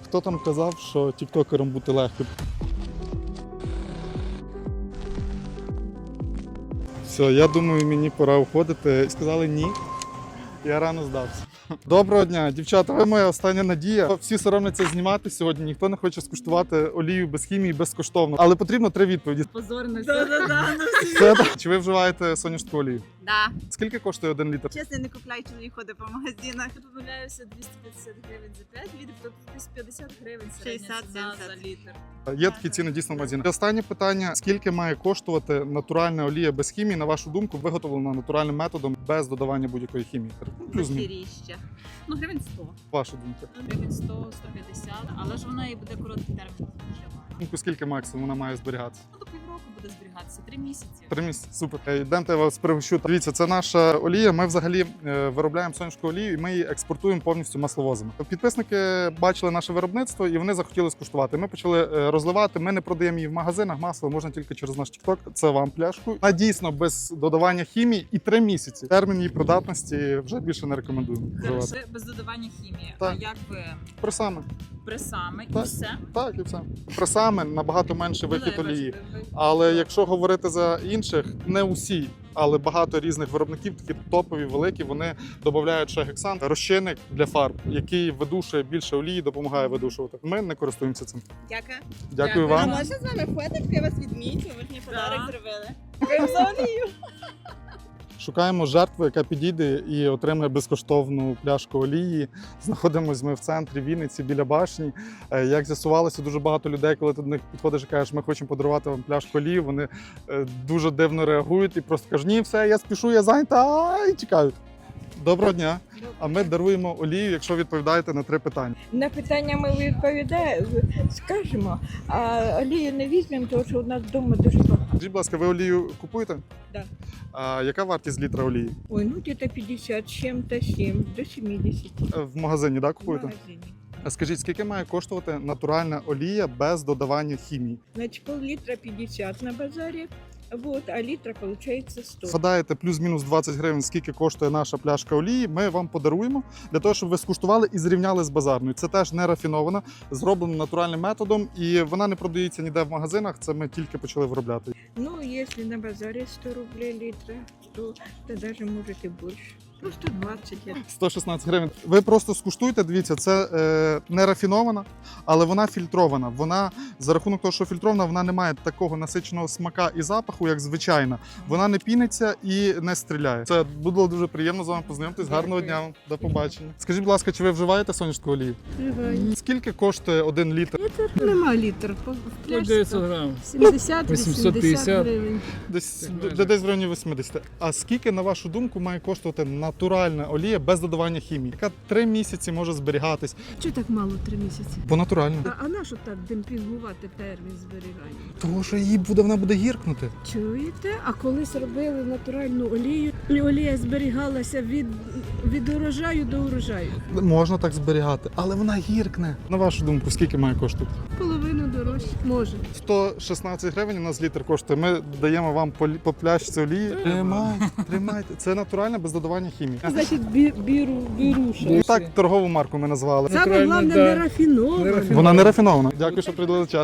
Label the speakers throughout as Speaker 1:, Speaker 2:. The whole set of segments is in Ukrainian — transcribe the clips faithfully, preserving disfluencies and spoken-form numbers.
Speaker 1: Хто там казав, що тіктокером бути легко? Все, я думаю, мені пора уходити. Сказали ні. Я рано здався. Доброго дня, дівчата, ви моя остання надія. Всі соромляться знімати сьогодні, ніхто не хоче скуштувати олію без хімії безкоштовно. Але потрібно три відповіді.
Speaker 2: Позорно.
Speaker 3: Да-да-да, ну всі.
Speaker 1: Це, Чи ви вживаєте соняшку олію?
Speaker 2: Да.
Speaker 1: Скільки коштує один літр?
Speaker 3: Чесно, не купляю, чоловік ходить по магазинах.
Speaker 2: Я помиляюся, двісті п'ятдесят гривень за п'ять літрів, тобто десь п'ятдесят гривень середня ціна
Speaker 3: шістдесят
Speaker 2: за літр.
Speaker 1: Є такі ціни дійсно в магазинах. Останнє питання: скільки має коштувати натуральна олія без хімії, на вашу думку, виготовлена натуральним методом, без додавання будь-якої хімії? Плюс-мінус.
Speaker 2: Дохеріща. Ну, гривень сто.
Speaker 1: Ваша думка.
Speaker 2: Гривень сто, сто п'ятдесят, але ж вона і буде короткий термін споживання.
Speaker 1: Думку, скільки максимум вона має зберігатися?
Speaker 2: Ну, до півроку буде зберігатися, три місяці.
Speaker 1: Три місяці, супер. Е, Йдемте, я вас пригощу. Дивіться, це наша олія. Ми взагалі е, виробляємо соняшку олію і ми її експортуємо повністю масловозами. Підписники бачили наше виробництво і вони захотіли скуштувати. Ми почали е, розливати. Ми не продаємо її в магазинах. Масло можна тільки через наш TikTok. Це вам пляшку. Вона дійсно без додавання хімії і три місяці. Термін її придатності вже більше не рекомендуємо вживати.
Speaker 2: Це без додавання хімії.
Speaker 1: Так.
Speaker 2: А як ви
Speaker 1: Пресами.
Speaker 2: пресами і
Speaker 1: Так.
Speaker 2: все?
Speaker 1: Так, і все. Пресами набагато менше
Speaker 2: Ну, да,
Speaker 1: вихід
Speaker 2: я бачу,
Speaker 1: олії.
Speaker 2: ви- ви-
Speaker 1: Але якщо говорити за інших, не усі, але багато різних виробників, такі топові, великі, вони додають ще гексан, розчинник для фарб, який видушує більше олії, допомагає видушувати. Ми не користуємося цим.
Speaker 3: Дякую.
Speaker 1: Дякую
Speaker 2: Дякую.
Speaker 3: А
Speaker 1: вам.
Speaker 3: можна з вами фоточку? Я вас відмічу, ви ж мені
Speaker 2: Да.
Speaker 3: подарок зробили. Дякую за олію.
Speaker 1: Шукаємо жертву, яка підійде і отримає безкоштовну пляшку олії. Знаходимось ми в центрі Вінниці, біля башні. Е, Як з'ясувалося, дуже багато людей, коли ти до них підходиш і кажеш, ми хочемо подарувати вам пляшку олії, вони е, дуже дивно реагують і просто кажуть, ні, все, я спішу, я зайнята, а, і тікають. Доброго дня. А ми даруємо олію, якщо відповідаєте на три питання.
Speaker 4: На питання ми відповідаємо, скажемо, а олію не візьмемо, тому що у нас вдома дуже багато.
Speaker 1: Скажіть, будь ласка, ви олію купуєте?
Speaker 4: Да.
Speaker 1: А яка вартість літра олії?
Speaker 4: Ой, ну где-то п'ятдесят з чим-то сім, до сімдесят
Speaker 1: Е, В магазині, так,
Speaker 4: в
Speaker 1: купуєте?
Speaker 4: магазині.
Speaker 1: А скажіть, скільки має коштувати натуральна олія без додавання хімії?
Speaker 4: Значить, пол-літра п'ятдесят на базарі, вот, а літра виходить сто.
Speaker 1: Згадаєте плюс-мінус двадцять гривень, скільки коштує наша пляшка олії, ми вам подаруємо для того, щоб ви скуштували і зрівняли з базарною. Це теж не рафінована, зроблено натуральним методом, і вона не продається ніде в магазинах, це ми тільки почали виробляти.
Speaker 4: Ну, якщо на базарі сто рублей літра, то, то даже може і більше. Ну, сто двадцять. я-
Speaker 1: сто шістнадцять гривень. Ви просто скуштуйте, дивіться, це е, не рафінована, але вона фільтрована. Вона, за рахунок того, що фільтрована, вона не має такого насиченого смака і запаху, як звичайна. Вона не піниться і не стріляє. Це було дуже приємно з вами познайомитись. Гарного дня вам. До побачення. Скажіть, будь ласка, чи ви вживаєте соняшку олію?
Speaker 5: Вживаю.
Speaker 1: Скільки коштує один літр?
Speaker 5: Нема літр. По
Speaker 6: По дев'ятсот грам.
Speaker 5: сімдесят
Speaker 6: вісімсот
Speaker 5: вісімдесят
Speaker 6: п'ятдесят.
Speaker 5: гривень.
Speaker 1: Десь
Speaker 6: Так
Speaker 1: д-
Speaker 6: майже.
Speaker 1: десь в районі вісімдесят. А скільки, на вашу думку, має коштувати натуральна олія без додавання хімії, яка три місяці може зберігатись?
Speaker 5: Чого так мало три місяці?
Speaker 1: По натурально.
Speaker 5: А, а на що так демпінгувати термін зберігання?
Speaker 1: Того, що її буде, вона буде гіркнути.
Speaker 5: Чуєте? А колись робили натуральну олію, і олія зберігалася від, від урожаю до урожаю.
Speaker 1: Можна так зберігати, але вона гіркне. На вашу думку, скільки має коштувати?
Speaker 5: Половину дорожче. Може.
Speaker 1: сто шістнадцять гривень у нас літр коштує. Ми даємо вам по, лі- по пляшці олії. Тримайте, тримайте. Це натурально без додавання хімії.
Speaker 5: Значить, бі, біру, біруша.
Speaker 1: І так торгову марку ми назвали.
Speaker 5: Саме
Speaker 6: Натурально,
Speaker 5: головне
Speaker 6: да.
Speaker 5: не рафінована.
Speaker 6: Не рафінована.
Speaker 1: Вона не рафінована. Дякую, що приділили час.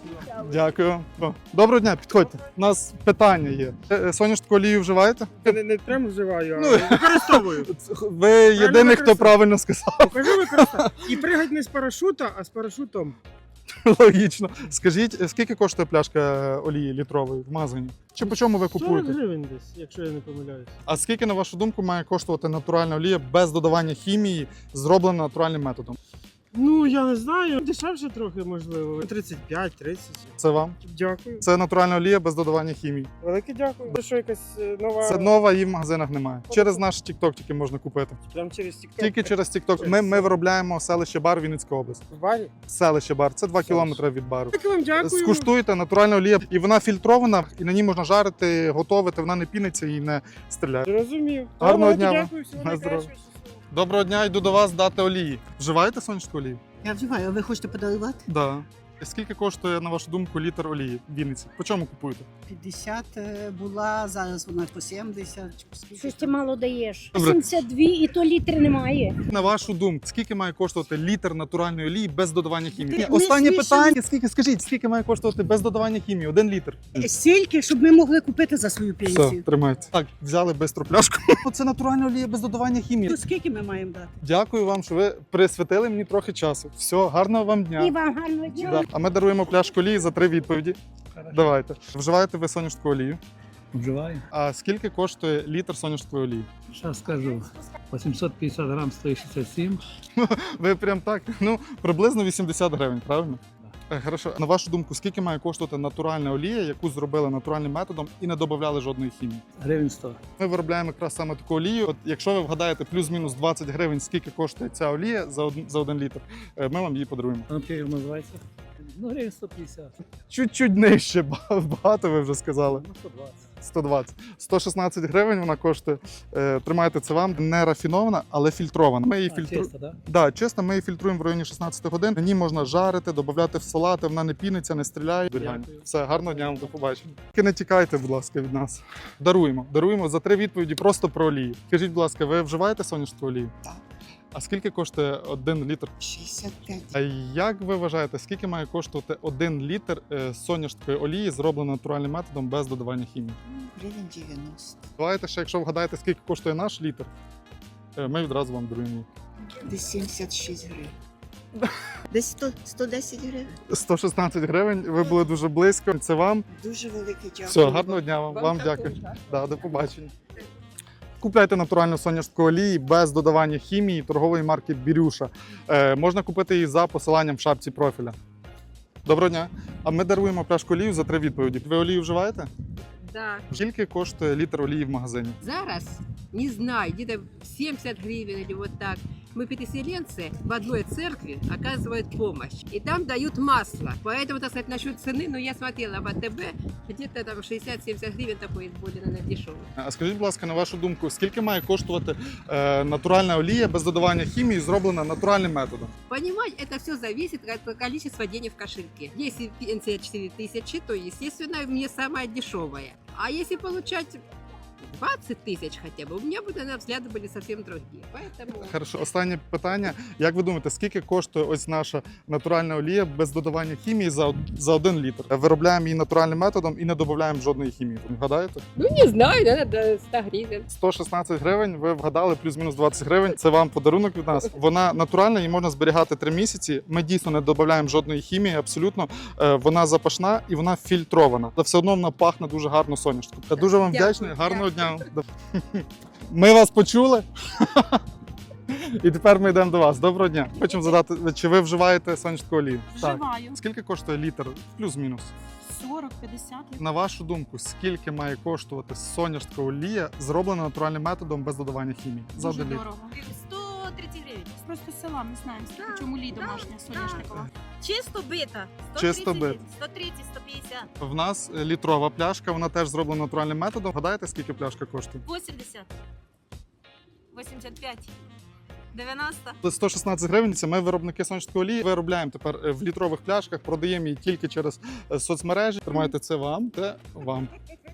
Speaker 1: Дякую. О, доброго дня, підходьте. У нас питання є. Е, е, Соняшку олію вживаєте?
Speaker 7: Я не, не прям вживаю, а
Speaker 1: Ну,
Speaker 7: використовую.
Speaker 1: Ви єдиний, хто
Speaker 7: використовую.
Speaker 1: правильно сказав.
Speaker 7: Покажу використовую. І пригать не з парашута, а з парашутом.
Speaker 1: Логічно. Скажіть, е, скільки коштує пляшка олії літрової в магазині? Чи по чому ви
Speaker 7: сорок
Speaker 1: купуєте?
Speaker 7: гривень десь, якщо я не помиляюсь.
Speaker 1: А скільки, на вашу думку, має коштувати натуральна олія без додавання хімії, зроблена натуральним методом?
Speaker 7: Ну, я не знаю. Дешевше трохи, можливо. тридцять п'ять тридцять.
Speaker 1: Це вам?
Speaker 7: Дякую.
Speaker 1: Це натуральна олія без додавання хімії.
Speaker 7: Велике дякую. Це що, якась е, нова...
Speaker 1: Це нова, її в магазинах немає. Через наш TikTok тільки можна купити.
Speaker 7: Прям через TikTok.
Speaker 1: Тільки через TikTok. Ми, ми виробляємо селище Бар, Вінницька область.
Speaker 7: В барі.
Speaker 1: Селище Бар. Це два кілометри від бару.
Speaker 7: Так вам дякую.
Speaker 1: Скуштуйте, натуральна олія. І вона фільтрована, і на ній можна жарити, готувати, вона не піниться і не стріляє.
Speaker 7: Зрозумів.
Speaker 1: Гарного
Speaker 7: Добре,
Speaker 1: дня вам.
Speaker 7: Дякую, всього
Speaker 1: На здоров'я.
Speaker 7: найкращого.
Speaker 1: Доброго дня, йду до вас дати олії. Вживаєте сонячку олію?
Speaker 8: Я вживаю, а ви хочете подарувати?
Speaker 1: Да. Скільки коштує, на вашу думку, літр олії в Вінниці? По чому купуєте?
Speaker 6: п'ятдесят е, була, зараз вона по сімдесят. Скільки
Speaker 8: Щось ти
Speaker 6: там?
Speaker 8: мало даєш.
Speaker 1: Добре.
Speaker 8: сімдесят два і то літри немає.
Speaker 1: На вашу думку, скільки має коштувати літр натуральної олії без додавання хімії?
Speaker 6: Ти-
Speaker 1: Ні, Останнє
Speaker 6: ми
Speaker 1: питання, скільки, скажіть, скільки має коштувати без додавання хімії? Один літр.
Speaker 6: Стільки, щоб ми могли купити за свою
Speaker 1: Все,
Speaker 6: пенсію.
Speaker 1: тримайте. Так, взяли бистру пляшку. Це натуральна олія без додавання хімії.
Speaker 6: То скільки ми маємо дати?
Speaker 1: Дякую вам, що ви присвятили мені трохи часу. Все, гарного вам дня.
Speaker 8: І вам гарного дня.
Speaker 1: Да. А ми даруємо пляшку олії за три відповіді. Давайте. Вживаєте ви соняшку олію?
Speaker 9: Вживаю.
Speaker 1: А скільки коштує літр соняшкової олії?
Speaker 9: Сейчас скажу. восемьсот пятьдесят грамм сто шестьдесят семь.
Speaker 1: Ви прям так, ну, приблизно вісімдесят гривень, правильно? Е, Хорошо. На вашу думку, скільки має коштувати натуральна олія, яку зробили натуральним методом і не додавали жодної хімії?
Speaker 9: Гривен сто.
Speaker 1: Ми виробляємо якраз саме таку олію. От якщо ви вгадаєте плюс-мінус двадцять гривень, скільки коштує ця олія за один, за один літр, е, ми вам її подаруємо.
Speaker 9: Он как называется? Ну, гривен сто пятьдесят.
Speaker 1: Чуть-чуть нижче, ба- багато ви вже сказали.
Speaker 9: Ну, сто двадцать.
Speaker 1: сто двадцять. сто шістнадцять гривень вона коштує. Е, Тримайте це вам. Не рафінована, але фільтрована. Ми її
Speaker 9: А,
Speaker 1: фільтруємо.
Speaker 9: чисто, да?
Speaker 1: Да, чесно, ми її фільтруємо в районі шістнадцяти годин. На ній можна жарити, додати в салати, вона не піниться, не стріляє.
Speaker 9: Дякую.
Speaker 1: Все, гарного дня вам, до побачення. Тільки не тікайте, будь ласка, від нас. Даруємо. Даруємо за три відповіді просто про олію. Скажіть, будь ласка, ви вживаєте соняшку олію?
Speaker 6: Так.
Speaker 1: А скільки коштує один літр?
Speaker 6: шістдесят п'ять.
Speaker 1: А як ви вважаєте, скільки має коштувати один літр е, соняшкової олії, зробленої натуральним методом без додавання хімії?
Speaker 6: Гривень дев'яносто.
Speaker 1: Давайте ще, якщо вгадаєте, скільки коштує наш літр, е, ми відразу вам даруємо її.
Speaker 6: Десь сімдесят шість гривень. Десь сто, сто десять гривень.
Speaker 1: сто шістнадцять гривень, ви були дуже близько. Це вам.
Speaker 6: Дуже велике дякую.
Speaker 1: Все, гарного дня вам. Вам, дякую. Да, до побачення. Купляйте натуральну соняшку олії без додавання хімії торгової марки Бірюша. Е, можна купити її за посиланням в шапці профіля. Доброго дня. А ми даруємо пляшку олію за три відповіді. Ви олію вживаєте?
Speaker 2: Да.
Speaker 1: Скільки коштує літр олії в магазині?
Speaker 10: Зараз, не знаю, где-то семьдесят гривен или вот так. Мы переселенцы в одной церкви оказывают помощь. И там дают масло. Поэтому, так сказать, насчет цены, ну я смотрела в АТБ, где-то там шестьдесят-семьдесят гривен такой более, наверное, дешевый.
Speaker 1: А скажіть, будь ласка, на вашу думку, скільки має коштувати е, натуральна олія без додавання хімії, зроблена натуральним методом?
Speaker 10: Понимать, это все зависит от количества денег в кошельке. Если пенсия четыре тысячи, то, естественно, мне самая дешевая. А если получать двадцать тысяч хотя бы, у меня бы, наверное, взгляды были совсем другие. Поэтому...
Speaker 1: Хорошо, останнє питання. Як ви думаєте, скільки коштує ось наша натуральна олія без додавання хімії за, од- за один літр? Виробляємо її натуральним методом і не додаємо жодної хімії. Ви вгадаєте?
Speaker 10: Ну, не знаю, наверное, до ста гривен.
Speaker 1: сто шістнадцять гривень, ви вгадали, плюс-мінус двадцять гривень. Це вам подарунок від нас. Вона натуральна, її можна зберігати три місяці. Ми дійсно не додаємо жодної хімії, абсолютно. Е, Вона запашна і вона фільтрована. Та все одно вона пахне дуже гарно соняшком. Я дуже вам
Speaker 10: Дякую,
Speaker 1: вдячний, гарного
Speaker 10: дякую.
Speaker 1: дня. Ми вас почули. І тепер ми йдемо до вас. Доброго дня. Хочемо задати, чи ви вживаєте соняшку олію?
Speaker 2: Вживаю.
Speaker 1: Скільки коштує літр? Плюс-мінус.
Speaker 2: сорок-п'ятдесят.
Speaker 1: На вашу думку, скільки має коштувати соняшка олія, зроблена натуральним методом без додавання хімії? За
Speaker 2: Дуже
Speaker 1: один літр.
Speaker 2: дорого. сто тридцять гривень. Просто з села ми знаємо, скільки чому лі домашня соняшникова.
Speaker 3: Чисто бита.
Speaker 1: Чисто бита.
Speaker 3: сто тридцять, сто п'ятдесят.
Speaker 1: В нас е, літрова пляшка, вона теж зроблена натуральним методом. Гадаєте, скільки пляшка коштує?
Speaker 3: вісімдесят. вісімдесят п'ять. дев'яносто.
Speaker 1: сто шістнадцять гривень. Це ми виробники соняшкової олії. Виробляємо тепер е, в літрових пляшках, продаємо її тільки через е, соцмережі. Тримайте це вам, це вам.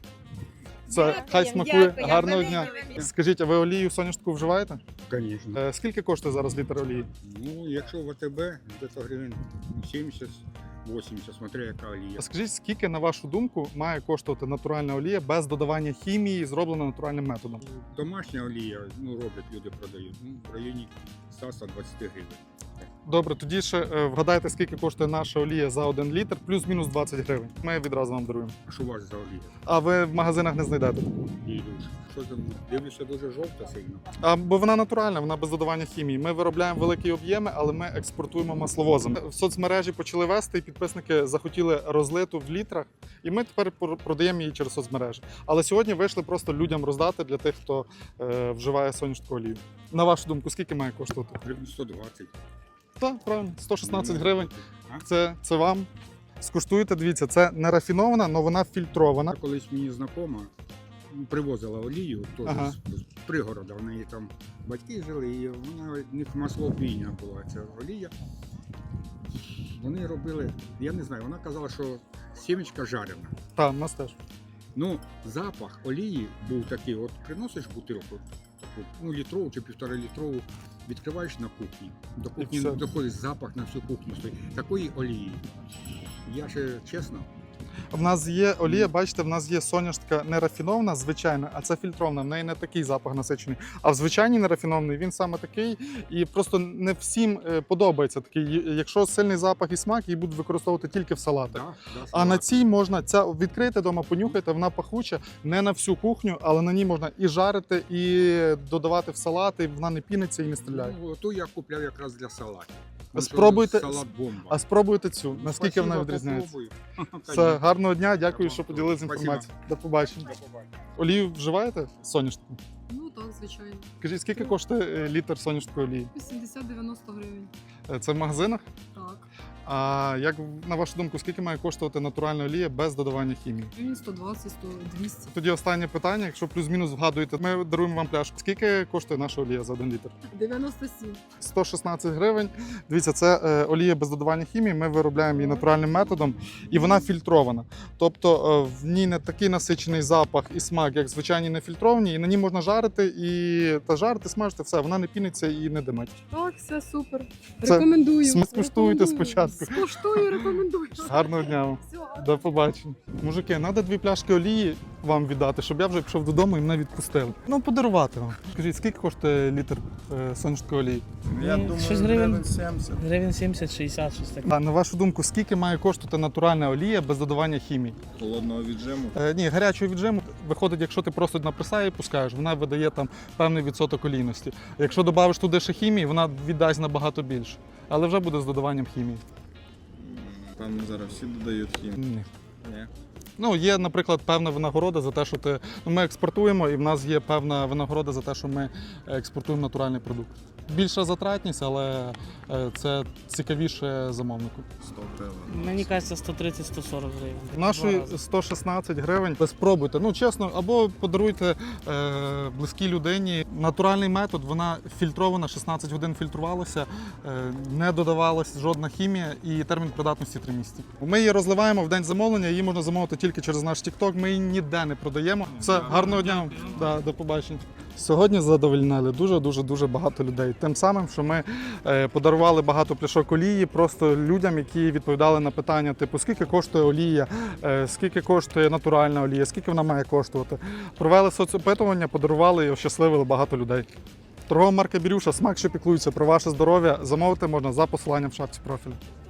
Speaker 1: Це
Speaker 3: Дякую,
Speaker 1: хай смакує.
Speaker 3: дякую,
Speaker 1: Гарного
Speaker 3: велике,
Speaker 1: дня.
Speaker 3: велике.
Speaker 1: Скажіть, а ви олію соняшку вживаєте?
Speaker 11: Звісно.
Speaker 1: Е, Скільки коштує зараз літр олії?
Speaker 11: Ну, якщо в АТБ, десь гривень сімдесят вісімдесят, смотря яка олія.
Speaker 1: Скажіть, скільки, на вашу думку, має коштувати натуральна олія без додавання хімії, зроблена натуральним методом?
Speaker 11: Домашня олія, ну, роблять, люди продають, ну, в районі сто - сто двадцять гривень.
Speaker 1: Добре, тоді ще е, вгадайте, скільки коштує наша олія за один літр, плюс-мінус двадцять гривень. Ми відразу вам даруємо.
Speaker 11: А що у вас за олія?
Speaker 1: А ви в магазинах не знайдете.
Speaker 11: Ілюш, що там, дивлюся, дуже жовта сильно.
Speaker 1: А, бо вона натуральна, вона без додавання хімії. Ми виробляємо великі об'єми, але ми експортуємо масловозом. В соцмережі почали вести, і підписники захотіли розлиту в літрах, і ми тепер пор- продаємо її через соцмережі. Але сьогодні вийшли просто людям роздати для тих, хто е, вживає соняшку олію. На вашу думку, скільки має коштувати?
Speaker 11: Гривень сто двадцять.
Speaker 1: Так, правильно, сто шістнадцять гривень.
Speaker 11: А?
Speaker 1: Це, це вам. Скуштуйте, дивіться, це не рафінована, але вона фільтрована.
Speaker 11: Колись мені знакома ну, привозила олію, теж
Speaker 1: Ага.
Speaker 11: з, з пригорода, в неї там батьки жили, і вона в них маслопійня була ця олія. Вони робили, я не знаю, вона казала, що сімечка жарена.
Speaker 1: Так, у нас теж.
Speaker 11: Ну, запах олії був такий, от приносиш бутилку, таку, ну, літрову чи півтора літрову, відкриваєш на кухні. До кухні
Speaker 1: все.
Speaker 11: доходить запах на всю кухню стоїть. Такої олії. Я ще чесно,
Speaker 1: В нас є олія, бачите, в нас є соняшка не рафінована, звичайна, а це фільтрована. В неї не такий запах насичений. А в звичайній нерафінований він саме такий, і просто не всім е, подобається такий. Якщо сильний запах і смак, її будуть використовувати тільки в салатах.
Speaker 11: да, да,
Speaker 1: А на цій можна ця відкрити вдома, понюхайте, вона пахуча, не на всю кухню, але на ній можна і жарити, і додавати в салати, і вона не піниться і не стріляє.
Speaker 11: Ну, ту я купляв якраз для салатів. Тому що
Speaker 1: Спробуйте,
Speaker 11: салат бомба.
Speaker 1: а спробуйте цю, наскільки
Speaker 11: Спасибо,
Speaker 1: вона відрізняється.
Speaker 11: попробую.
Speaker 1: Все, гарного дня, дякую,
Speaker 11: До
Speaker 1: що
Speaker 11: побачення.
Speaker 1: поділилися
Speaker 11: Спасибо.
Speaker 1: інформацією. До побачення.
Speaker 11: До побачення.
Speaker 1: Олію вживаєте соняшку?
Speaker 2: Ну так, звичайно.
Speaker 1: Скажіть, скільки коштує е, літр соняшської олії?
Speaker 2: вісімдесят-дев'яносто гривень.
Speaker 1: Е, Це в магазинах?
Speaker 2: Так.
Speaker 1: А як на вашу думку, скільки має коштувати натуральна олія без додавання хімії?
Speaker 2: Гривень сто двадцять, сто двісті.
Speaker 1: Тоді останнє питання. Якщо плюс-мінус вгадуєте, ми даруємо вам пляшку. Скільки коштує наша олія за один літр?
Speaker 2: дев'яносто сім.
Speaker 1: сто шістнадцять гривень. Дивіться, це е, олія без додавання хімії. Ми виробляємо її натуральним методом, і вона фільтрована. Тобто е, в ній не такий насичений запах і смак, як звичайні нефільтровані, і на ній можна жарити і та жарити, смажити, все, вона не піниться і не димить.
Speaker 2: Так, все супер.
Speaker 1: Це
Speaker 2: Рекомендую.
Speaker 1: см- скуштуйте
Speaker 2: Рекомендую.
Speaker 1: спочатку.
Speaker 2: Скуштую, рекомендую.
Speaker 1: Гарного дня вам.
Speaker 2: Всього.
Speaker 1: До побачення. Мужики, треба дві пляшки олії вам віддати, щоб я вже пішов додому і мене відпустили. Ну, подарувати вам. Скажіть, скільки коштує літр е, соняшкової олії?
Speaker 9: Я думаю,
Speaker 7: щось гривень
Speaker 9: сімдесят. Гривень сімдесят шістдесят, щось таке.
Speaker 1: А на вашу думку, скільки має коштувати натуральна олія без додавання хімії?
Speaker 11: Холодного віджиму.
Speaker 1: Е, ні, гарячого віджиму виходить, якщо ти просто на пресаї пускаєш, вона видає там певний відсоток олійності. Якщо додавиш туди ще хімії, вона віддасть набагато більше. Але вже буде з додаванням хімії.
Speaker 11: Там зараз всі додають хімію.
Speaker 1: Ні.
Speaker 11: Ні.
Speaker 1: Ну, є, наприклад, певна винагорода за те, що ти. Ну, ми експортуємо, і в нас є певна винагорода за те, що ми експортуємо натуральний продукт. Більша затратність, але е, це цікавіше замовнику.
Speaker 11: сто гривень.
Speaker 9: Мені кажеться, сто тридцять - сто сорок гривень.
Speaker 1: Нашої
Speaker 9: Два рази.
Speaker 1: сто шістнадцять гривень. Ви спробуйте. Ну, чесно, або подаруйте е, близькій людині. Натуральний метод, вона фільтрована, шістнадцять годин фільтрувалася, е, не додавалася жодна хімія і термін придатності три місяці. Ми її розливаємо в день замовлення, її можна замовити тільки через наш TikTok, ми її ніде не продаємо. Все, гарного дня, да, до побачення. Сьогодні задовольнили дуже-дуже-дуже багато людей. Тим самим, що ми е, подарували багато пляшок олії просто людям, які відповідали на питання, типу, скільки коштує олія, е, скільки коштує натуральна олія, скільки вона має коштувати. Провели соцопитування, подарували і ощасливили багато людей. Торгова марка Бірюша, смак, що піклується про ваше здоров'я, замовити можна за посиланням в шапці профілю.